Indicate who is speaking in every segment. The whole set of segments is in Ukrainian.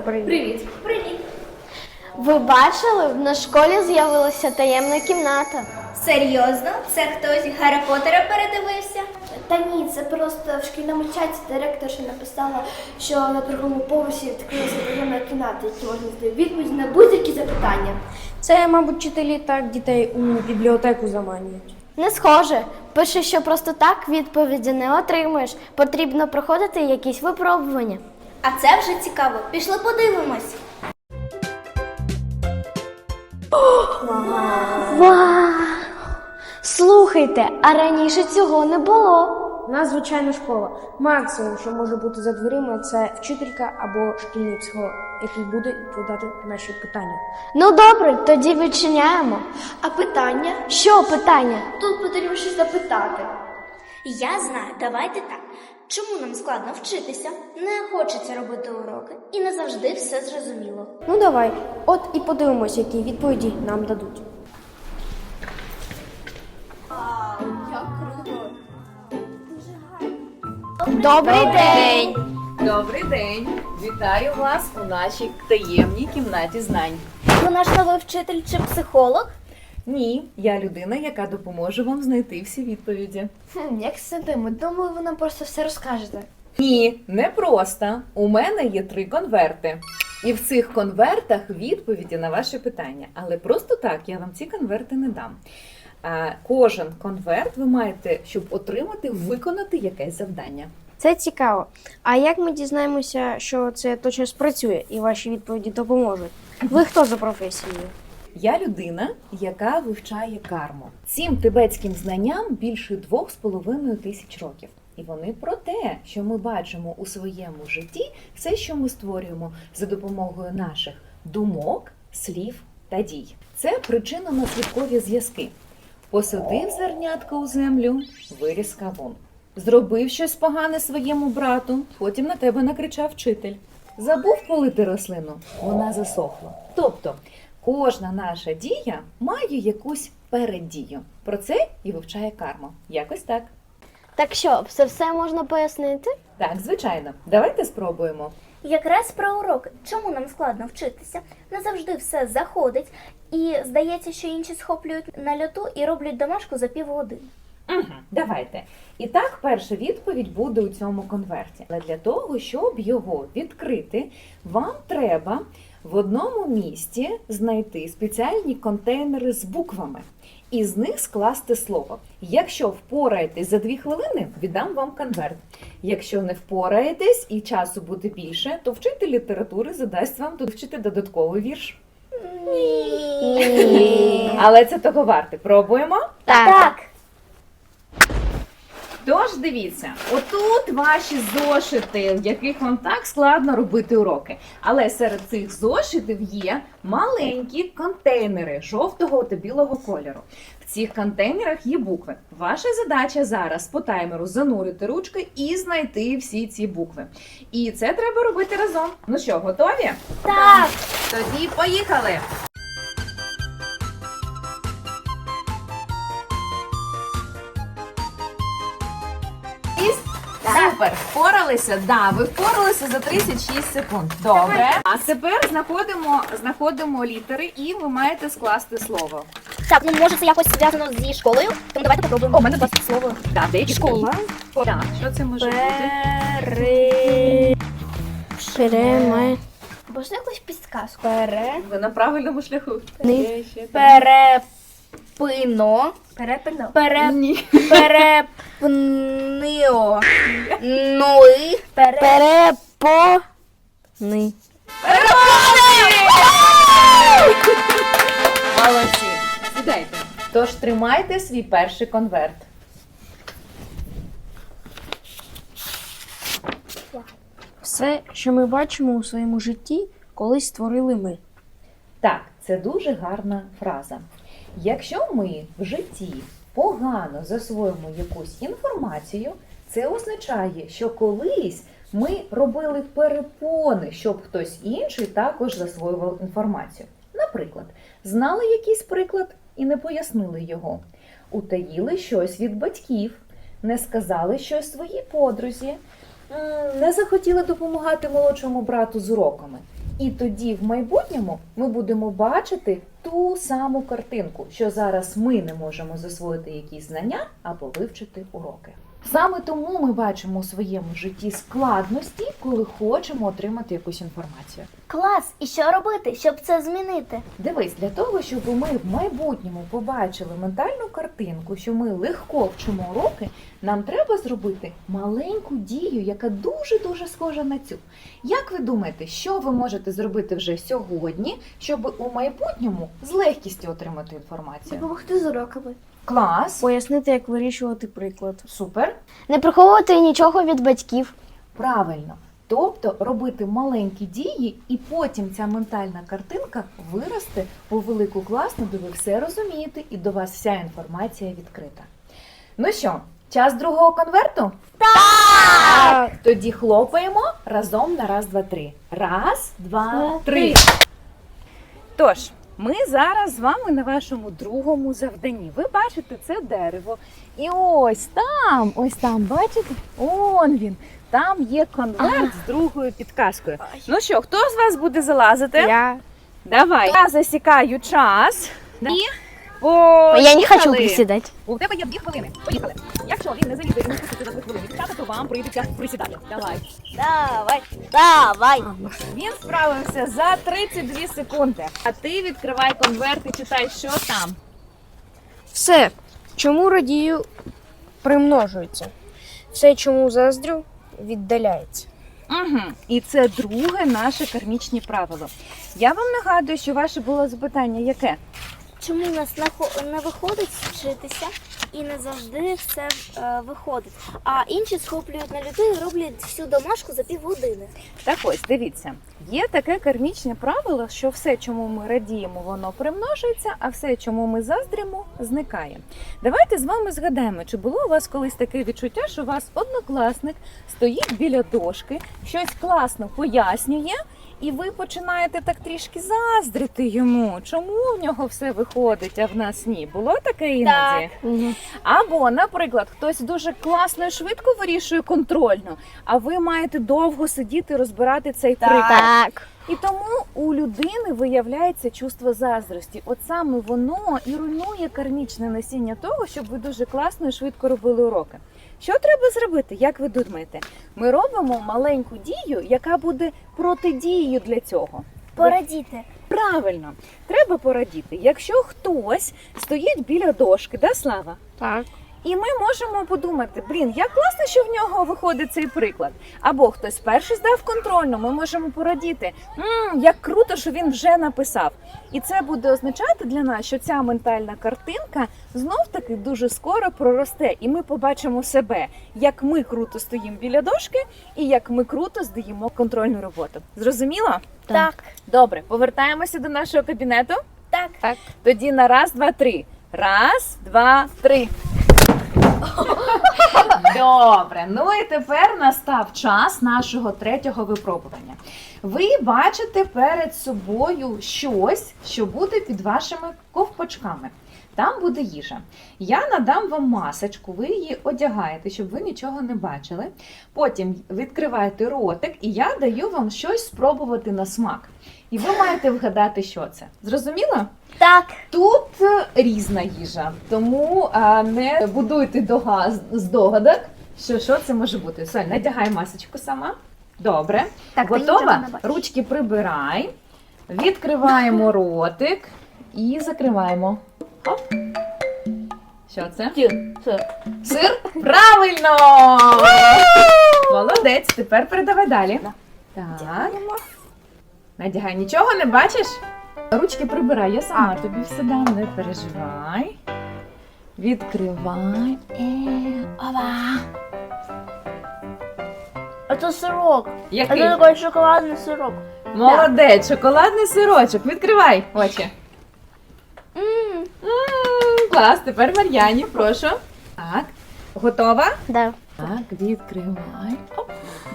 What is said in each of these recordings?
Speaker 1: Привіт.
Speaker 2: Привіт.
Speaker 3: Ви бачили, в школі з'явилася таємна кімната.
Speaker 2: Серйозно? Це хтось Гаррі Поттера передивився?
Speaker 1: Та ні, це просто в шкільному чаті директорша написала, що на другому поверсі відкрилася таємна кімната, які можна знайти відповіді на будь-які запитання.
Speaker 4: Це, мабуть, вчителі так дітей у бібліотеку заманюють.
Speaker 3: Не схоже. Пише, що просто так відповіді не отримуєш. Потрібно проходити якісь випробування.
Speaker 2: А це вже цікаво. Пішли подивимось.
Speaker 3: Вау! Слухайте, а раніше цього не було.
Speaker 4: У нас звичайна школа. Максимум, що може бути за дверима, це вчителька або шкільний психолог, який буде відповідати на наші питання.
Speaker 3: Ну добре, тоді відчиняємо.
Speaker 1: А питання?
Speaker 3: Що питання?
Speaker 1: Тут потрібно щось запитати.
Speaker 2: Я знаю, давайте так. Чому нам складно вчитися? Не хочеться робити уроки і не завжди все зрозуміло.
Speaker 4: Ну давай, от і подивимось, які відповіді нам дадуть.
Speaker 3: Добрий день!
Speaker 5: Добрий день! Вітаю вас у нашій таємній кімнаті знань.
Speaker 2: Ви наш новий вчитель чи психолог?
Speaker 5: Ні, я людина, яка допоможе вам знайти всі відповіді.
Speaker 1: Як сидимо? Думаю, ви нам просто все розкажете.
Speaker 5: Ні, не просто. У мене є 3 конверти. І в цих конвертах відповіді на ваші питання. Але просто так я вам ці конверти не дам. Кожен конверт ви маєте, щоб отримати, виконати якесь завдання.
Speaker 4: Це цікаво. А як ми дізнаємося, що це точно спрацює і ваші відповіді допоможуть? Ви хто за професією?
Speaker 5: Я людина, яка вивчає карму. Цим тибетським знанням більше 2,5 тисяч років. І вони про те, що ми бачимо у своєму житті, все, що ми створюємо за допомогою наших думок, слів та дій. Це причинно-наслідкові зв'язки. Посадив зернятко у землю, виріс кавун. Зробив щось погане своєму брату, потім на тебе накричав вчитель. Забув полити рослину, вона засохла. Тобто, кожна наша дія має якусь переддію. Про це і вивчає карма. Якось так.
Speaker 3: Так що, все можна пояснити?
Speaker 5: Так, звичайно. Давайте спробуємо.
Speaker 2: Якраз про уроки. Чому нам складно вчитися? Не завжди все заходить. І здається, що інші схоплюють на льоту і роблять домашку за півгодини.
Speaker 5: Давайте. І так, перша відповідь буде у цьому конверті. Але для того, щоб його відкрити, вам треба в одному місці знайти спеціальні контейнери з буквами і з них скласти слово. Якщо впораєтесь за 2 хвилини, віддам вам конверт. Якщо не впораєтесь і часу буде більше, то вчитель літератури задасть вам тут вчити додатковий вірш. Але це того варте. Пробуємо?
Speaker 2: Так.
Speaker 5: Тож дивіться, отут ваші зошити, в яких вам так складно робити уроки. Але серед цих зошитів є маленькі контейнери жовтого та білого кольору. В цих контейнерах є букви. Ваша задача зараз по таймеру занурити ручки і знайти всі ці букви. І це треба робити разом. Ну що, готові?
Speaker 2: Так.
Speaker 5: Тоді поїхали! Супер! Впоралися? Да, ви впоралися за 36 секунд. Добре. А тепер знаходимо літери і ви маєте скласти слово.
Speaker 2: Так, ну може це якось зв'язано зі школою? Тому давайте попробуємо.
Speaker 4: У мене досить слово.
Speaker 5: Так, деякі
Speaker 4: Школа.
Speaker 5: Так, що це може бути?
Speaker 1: Можна якусь підсказку?
Speaker 5: Ви на правильному шляху.
Speaker 2: Перепино.
Speaker 1: Перепино.
Speaker 5: Ні.
Speaker 2: Перепнио. Ной.
Speaker 3: Перепони.
Speaker 5: Молодці. Сідайте. Тож тримайте свій перший конверт.
Speaker 4: Все, що ми бачимо у своєму житті, колись створили ми.
Speaker 5: Так, це дуже гарна фраза. Якщо ми в житті погано засвоїмо якусь інформацію, це означає, що колись ми робили перепони, щоб хтось інший також засвоював інформацію. Наприклад, знали якийсь приклад і не пояснили його. Утаїли щось від батьків, не сказали щось своїй подрузі, не захотіли допомагати молодшому брату з уроками. І тоді в майбутньому ми будемо бачити ту саму картинку, що зараз ми не можемо засвоїти якісь знання або вивчити уроки. Саме тому ми бачимо у своєму житті складності, коли хочемо отримати якусь інформацію.
Speaker 2: Клас! І що робити, щоб це змінити?
Speaker 5: Дивись, для того, щоб ми в майбутньому побачили ментальну картинку, що ми легко вчимо уроки, нам треба зробити маленьку дію, яка дуже-дуже схожа на цю. Як ви думаєте, що ви можете зробити вже сьогодні, щоб у майбутньому з легкістю отримати інформацію?
Speaker 1: Допомогти з уроками.
Speaker 5: Клас!
Speaker 4: Пояснити, як вирішувати приклад.
Speaker 5: Супер!
Speaker 3: Не приховувати нічого від батьків.
Speaker 5: Правильно. Тобто робити маленькі дії, і потім ця ментальна картинка виросте у велику класну, де ви все розумієте, і до вас вся інформація відкрита. Ну що, час другого конверту? Так! Тоді хлопаємо разом на раз, два, три. Раз, два, три. Тож, ми зараз з вами на вашому другому завданні. Ви бачите, це дерево. І ось там, бачите? Он він. Там є конверт з другою підказкою. Ну що, хто з вас буде залазити?
Speaker 4: Я.
Speaker 5: Давай. Я засікаю час. І
Speaker 3: Я не хочу
Speaker 5: поїхали.
Speaker 3: присідати.
Speaker 5: У тебе є 2 хвилини. Поїхали. Якщо він не залізе і не спуститься за 2 хвилини, то вам прийдеться присідати. Давай.
Speaker 2: Давай!
Speaker 5: Він справився за 32 секунди. А ти відкривай конверт і читай, що там.
Speaker 4: Все, чому радію, примножується. Все, чому заздрю, віддаляється.
Speaker 5: Угу. І це друге наше кармічне правило. Я вам нагадую, що ваше було запитання яке?
Speaker 2: Чому у нас не виходить вчитися і не завжди все виходить, а інші схоплюють на люту і роблять всю домашку за півгодини?
Speaker 5: Так ось, дивіться, є таке кармічне правило, що все, чому ми радіємо, воно примножується, а все, чому ми заздримо, зникає. Давайте з вами згадаємо, чи було у вас колись таке відчуття, що у вас однокласник стоїть біля дошки, щось класно пояснює, і ви починаєте так трішки заздрити йому, чому в нього все виходить, а в нас ні. Було таке іноді? Або, наприклад, хтось дуже класно і швидко вирішує контрольно, а ви маєте довго сидіти, розбирати цей приклад.
Speaker 3: Так.
Speaker 5: І тому у людини виявляється чувство заздрості. От саме воно і руйнує кармічне насіння того, щоб ви дуже класно і швидко робили уроки. Що треба зробити, як ви думаєте? Ми робимо маленьку дію, яка буде протидією для цього.
Speaker 2: Порадіти.
Speaker 5: Правильно, треба порадіти. Якщо хтось стоїть біля дошки, да, Слава?
Speaker 4: Так.
Speaker 5: І ми можемо подумати, як класно, що в нього виходить цей приклад. Або хтось перший здав контрольну, ми можемо порадіти, як круто, що він вже написав. І це буде означати для нас, що ця ментальна картинка знов-таки дуже скоро проросте. І ми побачимо себе, як ми круто стоїмо біля дошки і як ми круто здаємо контрольну роботу. Зрозуміло?
Speaker 2: Так.
Speaker 5: Добре, повертаємося до нашого кабінету.
Speaker 2: Так.
Speaker 5: Тоді на раз, два, три. Раз, два, три. Добре, ну і тепер настав час нашого третього випробування. Ви бачите перед собою щось, що буде під вашими ковпачками. Там буде їжа. Я надам вам масочку, ви її одягаєте, щоб ви нічого не бачили. Потім відкриваєте ротик, і я даю вам щось спробувати на смак. І ви маєте вгадати, що це. Зрозуміло?
Speaker 2: Так.
Speaker 5: Тут різна їжа, тому не будуйте здогадок, що це може бути. Соль, надягай масочку сама. Добре.
Speaker 2: Так, ти нічого
Speaker 5: готова?
Speaker 2: не бачиш.
Speaker 5: Ручки прибирай. Відкриваємо ротик і закриваємо. Хоп. Що це? Сир? Правильно! Молодець. Тепер передавай далі. Так. Надягай. Нічого не бачиш? Ручки прибирай, я сама тобі все дам, не переживай. Відкривай. Ова.
Speaker 2: А це сирок.
Speaker 5: Який?
Speaker 2: Це такий шоколадний сирок.
Speaker 5: Молодець, шоколадний сирочок. Відкривай очі. Клас, тепер Мар'яні, прошу. Так, готова?
Speaker 3: Да.
Speaker 5: Так, відкривай. Оп.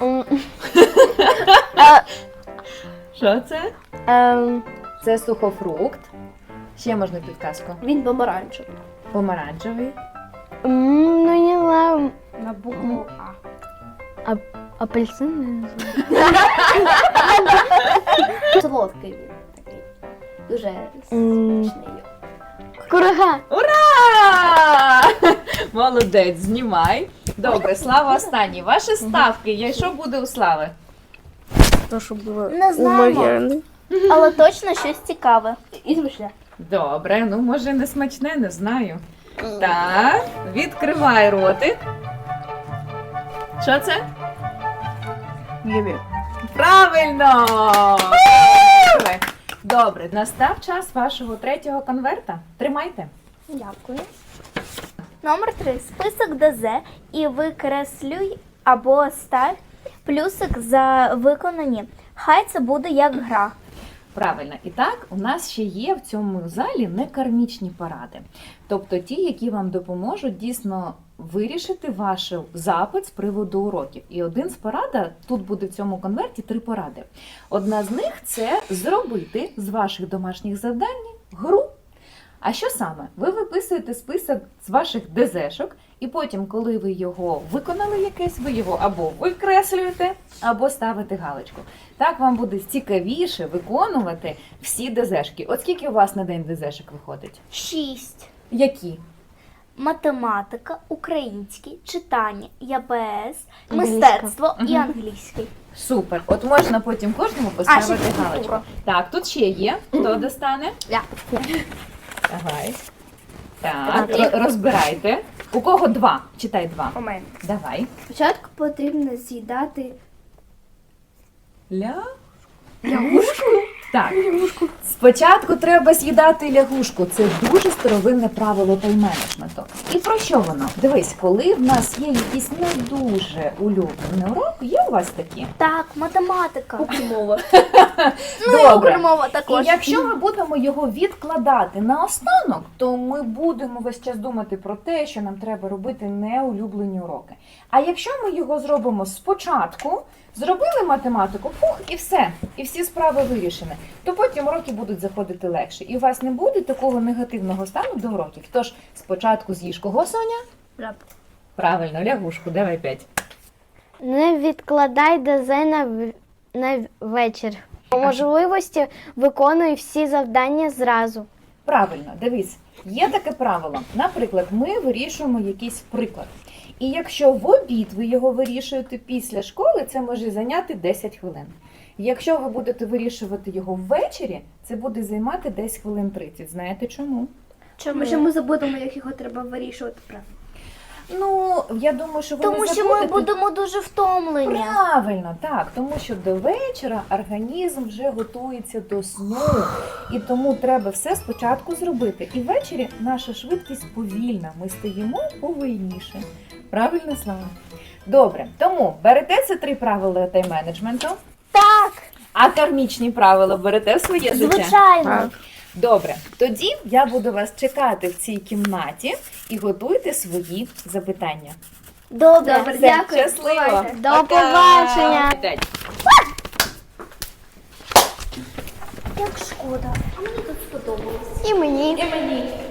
Speaker 5: Що це? Це сухофрукт. Ще можна підказку.
Speaker 1: Він помаранчевий.
Speaker 5: Помаранчевий.
Speaker 3: Ну, не знаю.
Speaker 4: На букву А.
Speaker 3: Апельсин, не знаю.
Speaker 1: Солодкий він такий. Дуже смачний.
Speaker 3: Курага.
Speaker 5: Ура! Молодець, знімай. Добре, Слава останній. Ваші ставки. Що буде у Слави?
Speaker 4: То, що було
Speaker 2: Не знаємо. Але точно щось цікаве.
Speaker 1: І смачне.
Speaker 5: Добре, ну може не смачне, не знаю. Так, відкривай ротик. Що це? Правильно! Добре, настав час вашого третього конверта. Тримайте.
Speaker 2: Дякую. Номер 3. Список ДЗ і викреслюй або став плюсик за виконані. Хай це буде як гра.
Speaker 5: Правильно. І так, у нас ще є в цьому залі некармічні поради. Тобто ті, які вам допоможуть дійсно вирішити ваш запит з приводу уроків. І один з порад, тут буде в цьому конверті 3 поради. Одна з них – це зробити з ваших домашніх завдань гру. А що саме? Ви виписуєте список з ваших ДЗшок, і потім, коли ви його виконали якесь, ви його або викреслюєте, або ставите галочку. Так вам буде цікавіше виконувати всі ДЗшки. От скільки у вас на день ДЗшок виходить?
Speaker 2: 6.
Speaker 5: Які?
Speaker 2: Математика, український, читання, ЯБС, мистецтво і англійський.
Speaker 5: Супер. От можна потім кожному поставити
Speaker 2: ще
Speaker 5: галочку.
Speaker 2: фізкультура.
Speaker 5: Так, тут ще є. Хто достане?
Speaker 1: Я.
Speaker 5: Давай. Так, розбирайте. У кого 2? Читай 2.
Speaker 1: У мене.
Speaker 5: Давай.
Speaker 1: Спочатку потрібно з'їдати
Speaker 5: Лягушку? Так. Спочатку треба з'їдати лягушку. Це дуже старовинне правило тайм-менеджменту. І про що воно? Дивись, коли в нас є якийсь не дуже улюблений урок, є у вас такі?
Speaker 2: Так, математика.
Speaker 1: мову.
Speaker 2: Ну і укрмова
Speaker 5: І
Speaker 2: також.
Speaker 5: якщо ми будемо його відкладати на останок, то ми будемо весь час думати про те, що нам треба робити неулюблені уроки. А якщо ми його зробимо спочатку, зробили математику, і все, і всі справи вирішені, то потім уроки будуть заходити легше. І у вас не буде такого негативного стану до уроків. Тож спочатку з'їж кого, Соня? Правильно, лягушку, давай 5.
Speaker 3: Не відкладай ДЗ на вечір. По можливості виконуй всі завдання зразу.
Speaker 5: Правильно, дивись, є таке правило. Наприклад, ми вирішуємо якийсь приклад. І якщо в обід ви його вирішуєте після школи, це може зайняти 10 хвилин. Якщо ви будете вирішувати його ввечері, це буде займати десь хвилин 30. Знаєте чому?
Speaker 1: Може ми забудемо, як його треба вирішувати правильно.
Speaker 5: Ну, я думаю, що ви
Speaker 2: Тому
Speaker 5: не
Speaker 2: що ми
Speaker 5: забудете.
Speaker 2: будемо дуже втомлені.
Speaker 5: Правильно, так, тому що до вечора організм вже готується до сну, і тому треба все спочатку зробити. І ввечері наша швидкість повільна, ми стаємо повільніше. Правильно, Слава? Добре, тому берете це 3 правила тайм-менеджменту,
Speaker 2: Так,
Speaker 5: а кармічні правила берете в своє життя?
Speaker 2: звичайно.
Speaker 5: Добре, тоді я буду вас чекати в цій кімнаті і готуйте свої запитання.
Speaker 2: Добре.
Speaker 1: Добре,
Speaker 5: Все,
Speaker 1: дякую.
Speaker 5: щасливо.
Speaker 1: Бувайте.
Speaker 3: До побачення.
Speaker 2: Як шкода. А мені тут сподобалось.
Speaker 3: І мені.
Speaker 1: І мені.